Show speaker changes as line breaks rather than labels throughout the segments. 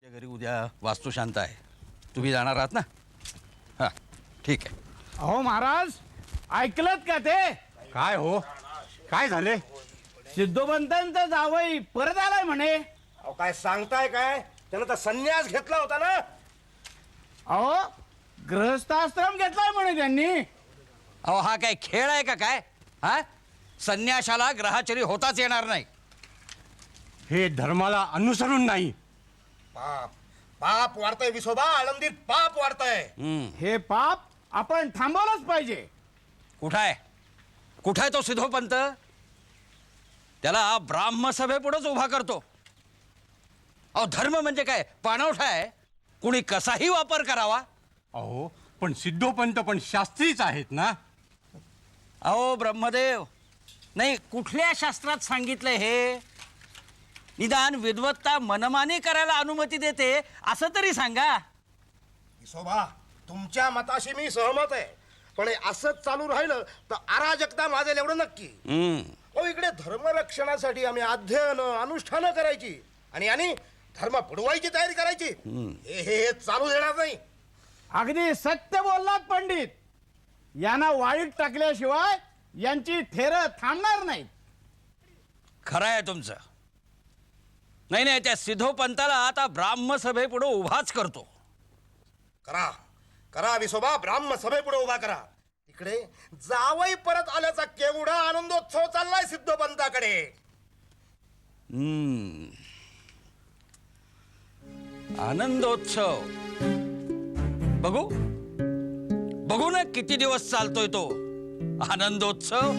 घरी उद्या वास्तुशांत आहे, तुम्ही जाणार आहात ना? हां ठीक आहे.
अहो महाराज, ऐकलत का ते?
काय हो, काय झाले?
सिद्धोबंतांचा जावई परत आलाय म्हणे.
अहो काय सांगताय काय? त्यानं तर संन्यास घेतला होता ना.
अहो गृहस्थाश्रम घेतलाय म्हणे त्यांनी.
अहो हा काय खेळ आहे का काय? हा, संन्याशाला ग्रहाचरी होताच येणार नाही.
हे धर्माला अनुसरून नाही.
पाप पाप वाढतंय विसोबा, आळंदीत पाप वाढतंय.
हे पाप आपण थांबवलंच पाहिजे.
कुठं आहे, कुठं आहे तो सिद्धोपंत? त्याला ब्राह्मसभेपुढेच उभा करतो. अहो धर्म म्हणजे काय, पाणवठा आहे? कुणी कसाही वापर करावा.
अहो पण सिद्धोपंत पण शास्त्रीच आहेत ना.
अहो ब्रह्मदेव, नाही कुठल्या शास्त्रात सांगितलंय हे? निदान विद्वत्ता मनमानी करायला अनुमती देते असं तरी सांगा.
विसोबा, तुमच्या मताशी मी सहमत आहे, पण हे असंच चालू राहिलं तर अराजकता माजेल एवढं नक्की. अहो इकडे धर्मरक्षणासाठी आम्ही अध्ययन अनुष्ठानं करायची आणि धर्म बुडवायची तयारी करायची. हे चालू देणार नाही.
अगदी सत्य बोललात पंडित. यांना वाळीत टाकल्याशिवाय यांची थेरं थांबणार नाही.
खरं आहे तुमचं. नाही नाही, त्या सिद्धोपंताला आता ब्राह्मसभेपुढे उभाच करतो.
करा करा विसोबा, ब्राह्म सभेपुढे उभा करा. तिकडे जावई परत आल्याचा केवढा आनंदोत्सव चाललाय सिद्धोपंताकडे.
आनंदोत्सव बघू बघू ना किती दिवस चालतोय तो आनंदोत्सव.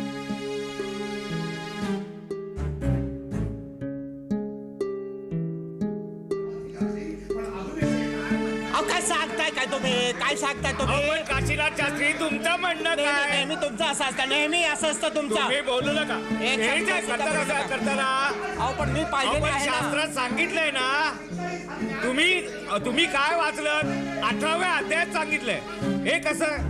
काय सांगताय काय तुम्ही? काय सांगताय तुम्ही?
काशीनाथ शास्त्री, तुमचं म्हणणं काय?
नेहमी तुमचं असं असतं, नेहमी असं असतं तुमचं.
तुम्ही बोलू नका.
एक
हे
शब्द
जे
सुद्धा
करता
बोलू
कसं
नका.
करताना
अहो पण मी पाहिजे
आपण
आहे ना.
शास्त्रात सांगितलंय ना. तुम्ही काय वाचलं? 18व्या अध्यायात सांगितलंय. हे कसं?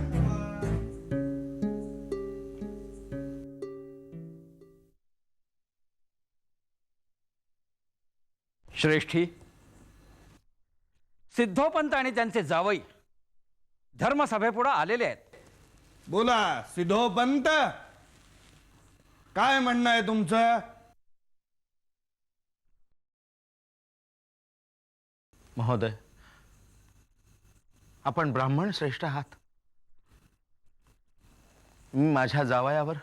श्रेष्ठी, सिद्धोपंत आणि त्यांचे जावई धर्मसभेपुढे आलेले आहेत.
बोला सिद्धोपंत, काय म्हणणं आहे तुमचं?
महोदय, आपण ब्राह्मण श्रेष्ठ आहात. मी माझ्या जावयावर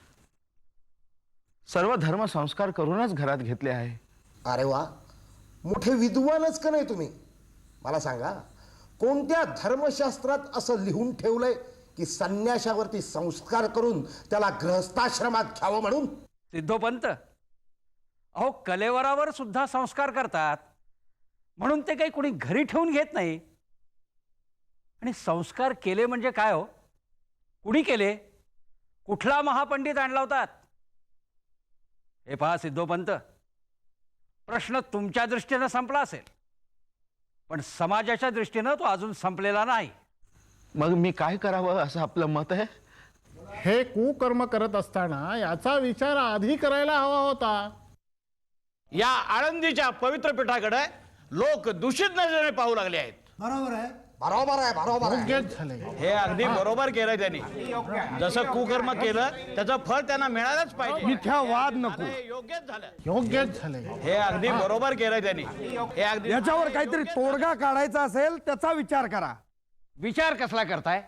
सर्व धर्म संस्कार करूनच घरात घेतले आहे.
अरे वा, मोठे विद्वानच का नाही तुम्ही? मला सांगा, कोणत्या धर्मशास्त्रात असं लिहून ठेवलंय की संन्याशावरती संस्कार करून त्याला गृहस्थाश्रमात घ्यावं म्हणून?
सिद्धोपंत, अहो कलेवरावर सुद्धा संस्कार करतात, म्हणून ते काही कुणी घरी ठेवून घेत नाही. आणि संस्कार केले म्हणजे काय हो? कुणी केले? कुठला महापंडित आणला होतात? हे पहा सिद्धोपंत, प्रश्न तुमच्या दृष्टीनं संपला असेल, पण समाजाच्या दृष्टीनं तो अजून संपलेला नाही.
मग मी काय करावं असं आपलं मत आहे?
हे कुकर्म करत असताना याचा विचार आधी करायला हवा होता.
या आळंदीच्या पवित्र पीठाकडे लोक दूषित नजरेने पाहू लागले आहेत.
बरोबर आहे, बरोबर आहे.
योग्यच झाले.
हे अगदी बरोबर केलंय त्यांनी. जसं कुकर्म केलं त्याचं फळ त्यांना मिळालंच पाहिजे.
मिथ्या वाद नको.
योग्यच झालं.
योग्यच झाले.
हे अगदी बरोबर केलंय त्यांनी. हे अगदी
याच्यावर काहीतरी तोडगा काढायचा असेल त्याचा विचार करा.
विचार कसला करताय?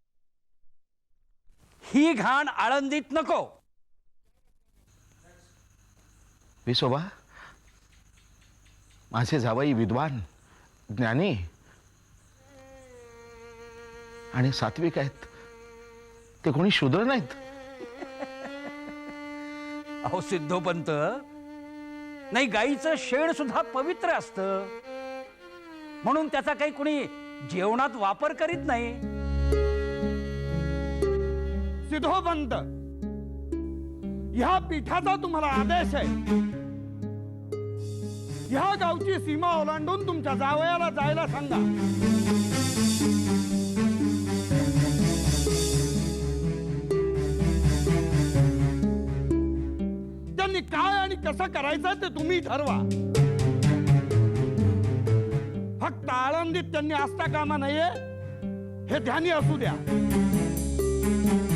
ही घाण आळंदीत नको.
विसोबा, माझे जावई विद्वान, ज्ञानी आणि सात्विक आहेत. ते कोणी शूद्र नाहीत.
अहो सिद्धोपंत, नाही गाईचं शेण सुद्धा पवित्र असतं, म्हणून त्याचा काही कुणी जेवणात वापर करीत नाही.
सिद्धोपंत, ह्या पीठाचा तुम्हाला आदेश आहे. ह्या गावची सीमा ओलांडून तुमच्या जावयाला जायला सांगा. त्यांनी काय आणि कसं करायचं ते तुम्ही ठरवा.
फक्त आळंदीत त्यांनी असता कामा नाहीये हे ध्यानी असू द्या.